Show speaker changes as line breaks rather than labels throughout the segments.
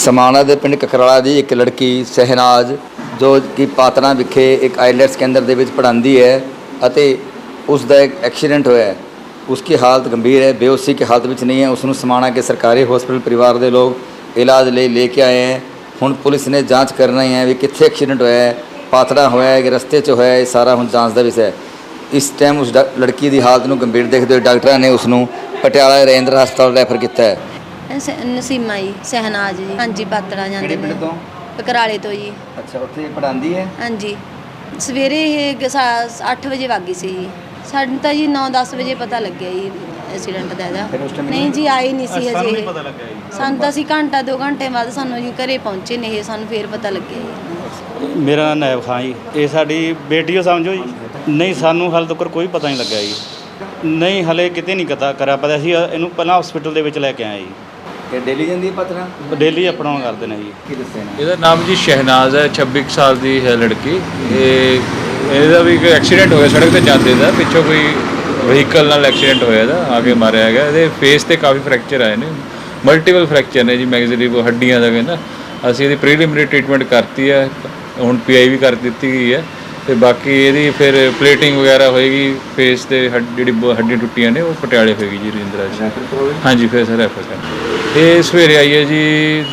समाणा ਦੇ ਪਿੰਡ ਕਕਰਾਲਾ ਦੀ ਇੱਕ ਲੜਕੀ ਸਹਿਨਾਜ਼ ਜੋ ਕਿ ਪਾਤਨਾ ਵਿਖੇ ਇੱਕ ਆਈਲੈਟਸ ਕੇਂਦਰ ਦੇ ਵਿੱਚ ਪੜ੍ਹਾਉਂਦੀ ਹੈ ਅਤੇ ਉਸ ਦਾ ਇੱਕ ਐਕਸੀਡੈਂਟ ਹੋਇਆ ਹੈ। उसकी हालत गंभीर है, बेहोशी की हालत में नहीं है। उसनों समाणा के सरकारी हॉस्पिटल परिवार के लोग इलाज लेके आए हैं। हुण पुलिस ने जांच करना ही है भी कित्थे एक्सीडेंट होया है, पातड़ा होया है कि रस्ते च होया है, सारा हुण जांच का विषय है। इस टाइम उस लड़की की हालत में गंभीर देखते हुए डॉक्टर ने उसनों पटियाला रजिंद्र हस्पताल रैफर किया है।
नसीमा जी सहनाज जी। हाँ जी पातड़ा जाते
पिंड तो
ककराले तो जी।
अच्छा, उत्थे पढ़ांदी है।
हाँ जी सवेरे 8 वजे वग गई सी जी। ਸਾਨੂੰ ਤਾਂ ਜੀ 9-10 ਵਜੇ ਪਤਾ ਲੱਗਿਆ ਜੀ ਐਕਸੀਡੈਂਟ ਦਾ ਇਹਦਾ। ਨਹੀਂ ਜੀ ਆਏ ਨਹੀਂ ਸੀ ਹਜੇ ਇਹ। ਸਾਨੂੰ ਤਾਂ ਅਸੀਂ ਘੰਟਾ 2 ਘੰਟੇ ਬਾਅਦ ਸਾਨੂੰ ਜੀ ਘਰੇ ਪਹੁੰਚੇ ਨੇ ਇਹ, ਸਾਨੂੰ ਫੇਰ ਪਤਾ ਲੱਗਿਆ ਜੀ।
ਮੇਰਾ ਨਾਮ ਨਾਇਬ ਖਾਨ ਜੀ। ਇਹ ਸਾਡੀ ਬੇਟੀ ਹੋ ਸਮਝੋ ਜੀ। ਨਹੀਂ ਸਾਨੂੰ ਹਾਲੇ ਤੱਕ ਕੋਈ ਪਤਾ ਨਹੀਂ ਲੱਗਿਆ ਜੀ। ਨਹੀਂ ਹਲੇ ਕਿਤੇ ਨਹੀਂ ਕਰਿਆ ਪਤਾ ਸੀ। ਇਹਨੂੰ ਪਹਿਲਾਂ ਹਸਪੀਟਲ ਦੇ ਵਿੱਚ ਲੈ ਕੇ ਆਏ ਜੀ।
ਕਿ ਡੇਲੀ ਜਾਂਦੀ ਹੈ ਪਤਨਾ?
ਡੇਲੀ ਅਪਡਾਊਨ ਕਰਦੇ ਨੇ ਜੀ।
ਕੀ ਦੱਸਿਆ ਨਾ?
ਇਹਦਾ ਨਾਮ ਜੀ ਸ਼ਹਿਨਾਜ਼ ਹੈ, 26 ਸਾਲ ਦੀ ਹੈ ਲੜਕੀ। ਇਹਦਾ ਵੀ ਕੋਈ ਐਕਸੀਡੈਂਟ ਹੋਇਆ ਸੜਕ ਤੇ ਜਾਂਦੇ ਦਾ, ਪਿੱਛੋਂ ਕੋਈ ਵਹੀਕਲ ਨਾਲ ਐਕਸੀਡੈਂਟ ਹੋਇਆ ਇਹਦਾ, ਆ ਕੇ ਮਾਰਿਆ ਹੈਗਾ। ਇਹਦੇ ਫੇਸ ਤੇ ਕਾਫੀ ਫ੍ਰੈਕਚਰ ਆਏ ਨੇ, ਮਲਟੀਪਲ ਫ੍ਰੈਕਚਰ ਨੇ ਜੀ, ਮੈਗਜ਼ਰੀ ਹੱਡੀਆਂ ਦਾ ਕਹਿੰਦਾ। ਅਸੀਂ ਇਹਦੀ ਪ੍ਰੀਲਿਮਿਨਰੀ ਟ੍ਰੀਟਮੈਂਟ ਕਰਤੀ ਹੈ, ਹੁਣ PI ਵੀ ਕਰ ਦਿੱਤੀ ਗਈ ਹੈ ਤੇ ਬਾਕੀ ਇਹਦੀ ਫਿਰ ਪਲੇਟਿੰਗ ਵਗੈਰਾ ਹੋਏਗੀ। ਫੇਸ ਤੇ ਜਿਹੜੀ ਹੱਡੀਆਂ ਟੁੱਟੀਆਂ ਨੇ ਉਹ ਪਟਿਆਲੇ ਹੋਏਗੀ ਜੀ ਰਜਿੰਦਰਾ 'ਚ। ਹਾਂਜੀ ਫਿਰ ਸਰ ਰੈਫਰ ਕਰ। ਇਹ ਸਵੇਰੇ ਆਈ ਹੈ ਜੀ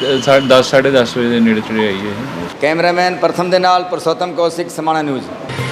10 ਸਾਢੇ 10 ਵਜੇ ਦੇ ਨੇੜੇ ਤੇੜੇ ਆਈ ਹੈ।
ਕੈਮਰਾਮੈਨ ਪ੍ਰਥਮ ਦੇ ਨਾਲ ਪੁਰਸ਼ੋਤਮ ਕੌਸ਼ਿਕ, ਸਮਾਣਾ ਨਿਊਜ਼।